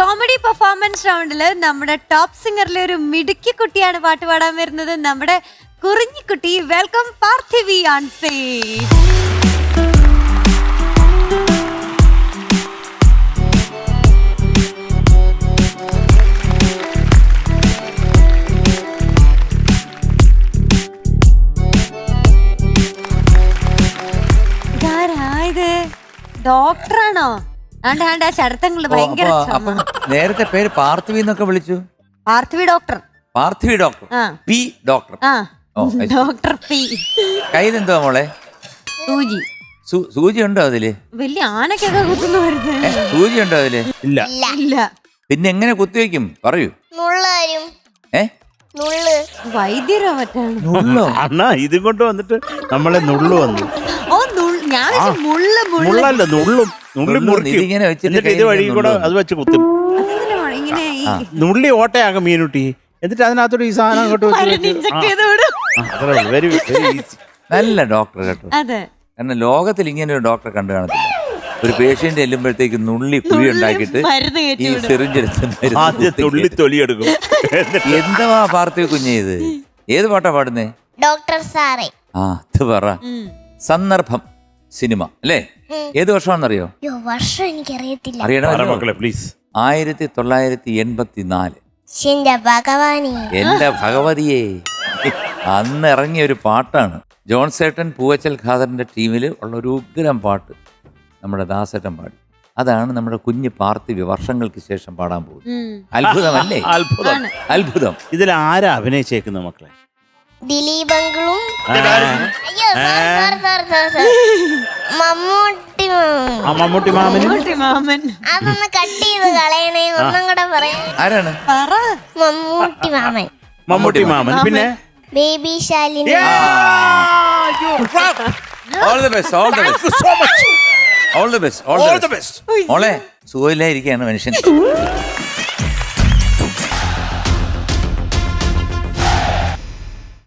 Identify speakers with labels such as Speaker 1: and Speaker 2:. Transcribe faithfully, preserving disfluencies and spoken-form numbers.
Speaker 1: Comedy performance റൗണ്ടില് നമ്മുടെ top സിംഗറിലെ ഒരു മിടുക്കി കുട്ടിയാണ് പാട്ട് പാടാൻ വരുന്നത്. നമ്മുടെ കുറിഞ്ഞിക്കുട്ടി. Welcome Parthivi on stage. ഇതാരായത്? ഡോക്ടറാണോ? ആണ്ട് ആണ്ട് ആ ശരത്തങ്ങള് ഭയങ്കര.
Speaker 2: നേരത്തെ പേര് പാർത്ഥിവി എന്നൊക്കെ വിളിച്ചു.
Speaker 1: Parthivi doctor.
Speaker 2: Parthivi doctor. P doctor.
Speaker 1: ആ ഡോക്ടർ പി.
Speaker 2: കയ്യിലെന്തുവാ മോളെ?
Speaker 1: സൂചി.
Speaker 2: സൂചി ഉണ്ടോ അതില്? വലിയ
Speaker 1: ആനക്കൊക്കെ കുത്തുന്നു വരുന്നത്.
Speaker 2: സൂചി ഉണ്ടോ അതില്?
Speaker 3: ഇല്ല
Speaker 1: ഇല്ല.
Speaker 2: പിന്നെ എങ്ങനെ കുത്തിവെക്കും പറയൂ. ഏ
Speaker 1: വൈദ്യരോ മറ്റാണ്.
Speaker 3: അണ്ണാ ഇതും കൊണ്ട് വന്നിട്ട് നമ്മളെ നുള്ളു വന്നു.
Speaker 1: ഓ ഞാൻ മുള്ളു
Speaker 3: മുള്ളല്ല നുള്ളും നുള്ളി മുറിക്കും.
Speaker 2: ഇതിങ്ങനെ വെച്ചിട്ട്
Speaker 3: ഇത് വഴി കൂടെ അത് വെച്ച് കുത്തും.
Speaker 1: ഇങ്ങനെ
Speaker 3: നുള്ളി ഓട്ടയാകും മീനുട്ടി. എന്നിട്ട് അതിനകത്തോട്ട് ഈ സാധനം അങ്ങോട്ട് വെരി വെരി ഈസി.
Speaker 2: നല്ല ഡോക്ടർ കേട്ടോ.
Speaker 1: അതെ.
Speaker 2: കാരണം ലോകത്തിൽ ഇങ്ങനെ ഒരു ഡോക്ടറെ കണ്ടു കാണത്തില്ല. ഒരു പേഷ്യന്റ് ചെല്ലുമ്പോഴത്തേക്ക് നുള്ളി കുഴി ഉണ്ടാക്കിയിട്ട് ഈ സിറിഞ്ചെടുത്ത്
Speaker 3: ആദ്യം തുള്ളി തൊലിയെടുക്കും.
Speaker 2: എന്താ പാർത്ഥിവ കുഞ്ഞേ ഇത്? ഏത് പാട്ടാ പാടുന്നേ?
Speaker 4: ഡോക്ടർ സാറേ.
Speaker 2: ആ അത് പറ. സന്ദർഭം സിനിമ അല്ലേ? ഏത് വർഷമാണെന്നറിയോ?
Speaker 4: വർഷം എനിക്കറിയത്തില്ല.
Speaker 2: അറിയണോ
Speaker 3: പ്ലീസ്.
Speaker 2: ആയിരത്തി തൊള്ളായിരത്തി എൺപത്തി നാല്.
Speaker 4: ഭഗവാനെ
Speaker 2: എന്റെ ഭഗവതിയെ, അന്ന് ഇറങ്ങിയ ഒരു പാട്ടാണ്. ജോൺസേട്ടൻ പൂവച്ചൽ ഖാദറിന്റെ ടീമിൽ ഉള്ള ഒരു ഉഗ്രം പാട്ട് നമ്മുടെ ദാസേട്ടൻ പാടി. അതാണ് നമ്മുടെ കുഞ്ഞ് പാർത്ഥിവി വർഷങ്ങൾക്ക് ശേഷം പാടാൻ പോകുന്നത്. അത്ഭുതമല്ലേ?
Speaker 3: അത്ഭുതം
Speaker 2: അത്ഭുതം.
Speaker 3: ഇതിൽ ആരാ അഭിനയിച്ചേക്കുന്ന മക്കളെ?
Speaker 4: ദിലീപങ്കളും മമ്മൂട്ടി
Speaker 3: മമ്മൂട്ടി മാമനും.
Speaker 1: മാമൻ.
Speaker 4: അതൊന്ന് കട്ട് ചെയ്ത് കളയണേ. ഒന്നും കൂടെ പറയാം.
Speaker 2: ആരാണ്?
Speaker 4: മമ്മൂട്ടി മാമൻ.
Speaker 3: മമ്മൂട്ടി മാമൻ. പിന്നെ
Speaker 4: baby Shalini.
Speaker 2: All the best, all the best. All the best, all the best. മോളെ സുഖമില്ലായിരിക്കുകയാണ് മനുഷ്യൻ.